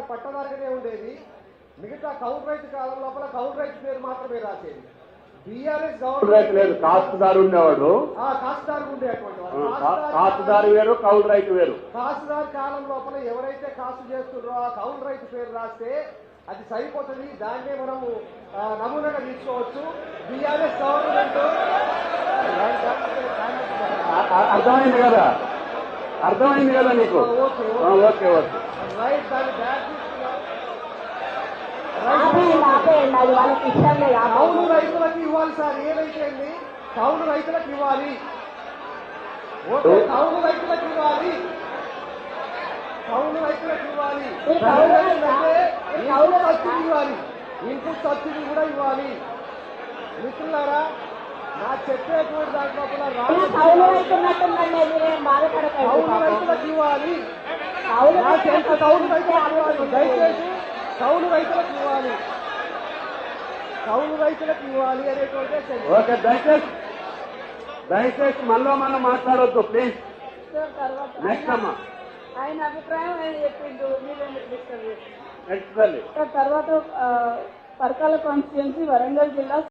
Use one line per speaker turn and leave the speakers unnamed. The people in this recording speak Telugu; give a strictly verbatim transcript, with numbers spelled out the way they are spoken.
పట్టదారుగానే ఉండేది. మిగతా కౌలు రైతు కాలం లోపల కౌలు రైతు పేరు మాత్రమే రాసేది. బీఆర్ఎస్ గవర్నమెంట్
లేదు, కాస్తుదారు ఉండేవాడు.
కాస్తుదారు ఉండేటువంటి
కాస్తుదారు వేరు, కౌలు రైతు వేరు.
కాస్తుదారు కాలం లోపల ఎవరైతే కాస్తు చేస్తున్నారో ఆ కౌలు రైతు పేరు రాస్తే అది సరిపోతుంది. దాన్నే మనము నమూనాగా తీసుకోవచ్చు. బీఆర్ఎస్ గవర్నమెంట్
అర్థమైంది కదా, అర్థమైంది కదా నీకు?
Okay
okay okay
right. దాన్ని బ్యాక్ కౌలు రైతులకు ఇవ్వాలి సార్. ఏదైతే కౌలు రైతులకు ఇవ్వాలి. ఓకే, కౌలు రైతులకు ఇవ్వాలి. కౌలు రైతులకు ఇవ్వాలి. కౌలు సబ్సిడీ ఇవ్వాలి. ఇన్పుట్ సబ్సిడీ కూడా ఇవ్వాలి. మిత్రులారా, నా చెప్పేటువంటి దాంట్లో కౌలు రైతులకు ఇవ్వాలి. కౌలు రైతులకు ఇవ్వాలి. దయచేసి కౌలు రైతులకు ఇవ్వాలి. కౌలు రైతులకు ఇవ్వాలి అనేటువంటి.
ఓకే, దయచేసి దయచేసి మళ్ళీ మనం మాట్లాడొద్దు ప్లీజ్. నెక్స్ట్ అమ్మా,
ఆయన అభిప్రాయం ఆయన చెప్పిండు.
నెక్స్ట్ తల్లి.
తర్వాత పరకాల కాన్స్టిట్యున్సీ వరంగల్ జిల్లా